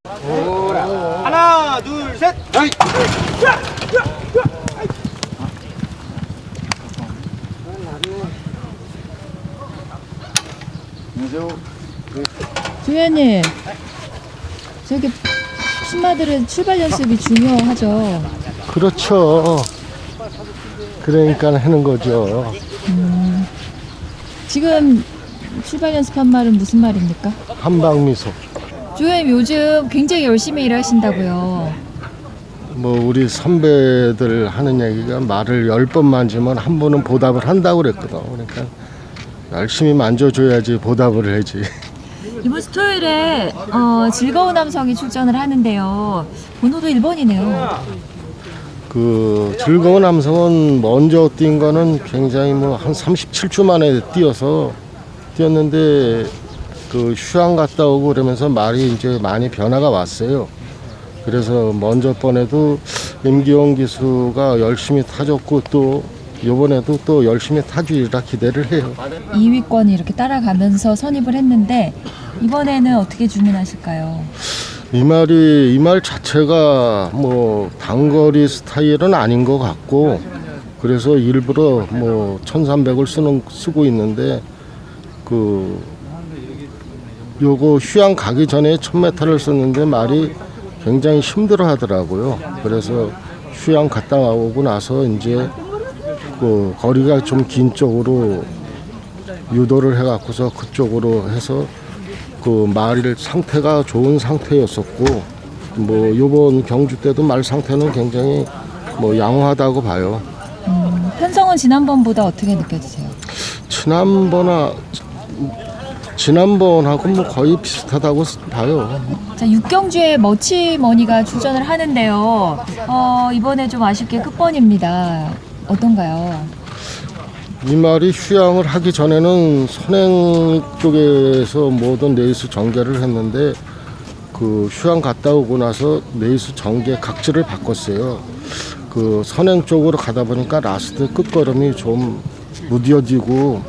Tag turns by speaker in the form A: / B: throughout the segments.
A: 하나, 둘, 셋. 아이.
B: 주연님, 저기 신마들은 출발 연습이 중요하죠.
C: 그렇죠. 그러니까 하는 거죠.
B: 지금 출발 연습한 말은 무슨 말입니까?
C: 한방미소.
B: 주연님 요즘 굉장히 열심히 일하신다고요.
C: 뭐 우리 선배들 하는 얘기가 말을 10번 만지면 한 번은 보답을 한다고 그랬거든. 그러니까 열심히 만져줘야지 보답을 하지.
B: 이번 주 토요일에 즐거운 함성이 출전을 하는데요. 번호도 1번이네요.
C: 그 즐거운 함성은 먼저 뛴 거는 굉장히 뭐 한 37주 만에 뛰었는데 그 휴양 갔다 오고 그러면서 말이 이제 많이 변화가 왔어요. 그래서 먼저 번에도 임기용 기수가 열심히 타줬고 또 이번에도 또 열심히 타주리라 기대를 해요.
B: 2위권이 이렇게 따라가면서 선입을 했는데 이번에는 어떻게 주문하실까요?
C: 이 말 자체가 뭐 단거리 스타일은 아닌 것 같고 그래서 일부러 뭐 1300을 쓰고 있는데 그 요거 휴양 가기 전에 1000m를 썼는데 말이 굉장히 힘들어 하더라고요. 그래서 휴양 갔다 오고 나서 이제 그 거리가 좀 긴 쪽으로 유도를 해갖고서 그쪽으로 해서 그 말 상태가 좋은 상태였었고 뭐 요번 경주 때도 말 상태는 굉장히 뭐 양호하다고 봐요.
B: 편성은 지난번보다 어떻게 느껴지세요?
C: 지난번하고 뭐 거의 비슷하다고 봐요.
B: 자, 6경주에 머치머니가 출전을 하는데요. 이번에 좀 아쉽게 끝번입니다. 어떤가요?
C: 이 말이 휴양을 하기 전에는 선행 쪽에서 모든 레이스 전개를 했는데 그 휴양 갔다 오고 나서 레이스 전개 각지를 바꿨어요. 그 선행 쪽으로 가다 보니까 라스트 끝걸음이 좀 무뎌지고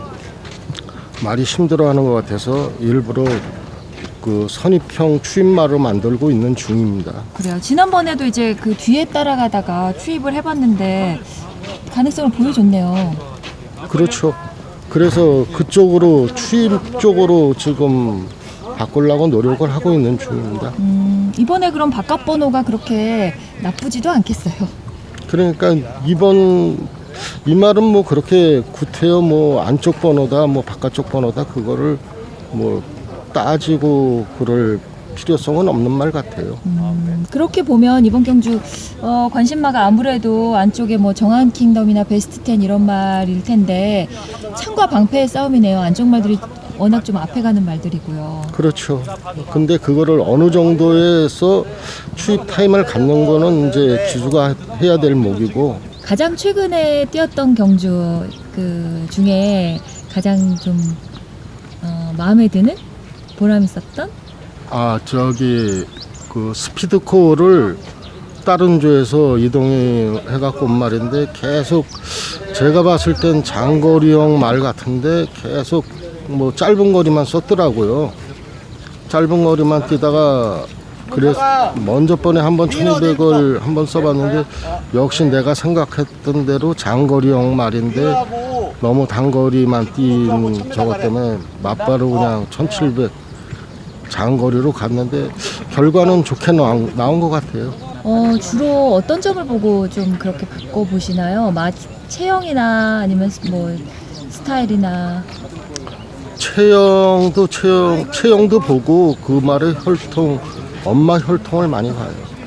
C: 말이 힘들어하는 것 같아서 일부러 그 선입형 추입말을 만들고 있는 중입니다.
B: 그래요. 지난번에도 이제 그 뒤에 따라가다가 추입을 해봤는데 가능성을 보여줬네요.
C: 그렇죠. 그래서 그쪽으로 추입 쪽으로 지금 바꾸려고 노력을 하고 있는 중입니다.
B: 이번에 그럼 바깥 번호가 그렇게 나쁘지도 않겠어요.
C: 그러니까 이 말은 뭐 그렇게 구태여 뭐 안쪽 번호다 뭐 바깥쪽 번호다 그거를 뭐 따지고 그럴 필요성은 없는 말 같아요.
B: 그렇게 보면 이번 경주 관심마가 아무래도 안쪽에 뭐 정한 킹덤이나 베스트 10 이런 말일 텐데 창과 방패의 싸움이네요. 안쪽 말들이 워낙 좀 앞에 가는 말들이고요.
C: 그렇죠. 근데 그거를 어느 정도에서 추입 타임을 갖는 거는 이제 기수가 해야 될 목이고
B: 가장 최근에 뛰었던 경주 그 중에 가장 좀 마음에 드는 보람 있었던
C: 저기 그 스피드코어를 다른 조에서 이동해갖고 온 말인데 계속 제가 봤을 땐 장거리형 말 같은데 계속 뭐 짧은 거리만 썼더라고요. 짧은 거리만 뛰다가 그래서 먼저 번에 한번 1200을 한번 써봤는데 역시 내가 생각했던 대로 장거리형 말인데 너무 단거리만 뛴 저것 때문에 맞바로 그냥 1700 장거리로 갔는데 결과는 좋게 나온 것 같아요.
B: 주로 어떤 점을 보고 좀 그렇게 바꿔보시나요? 체형이나 아니면 뭐 스타일이나
C: 체형도 보고 그 말의 혈통 엄마 혈통을 많이 봐요.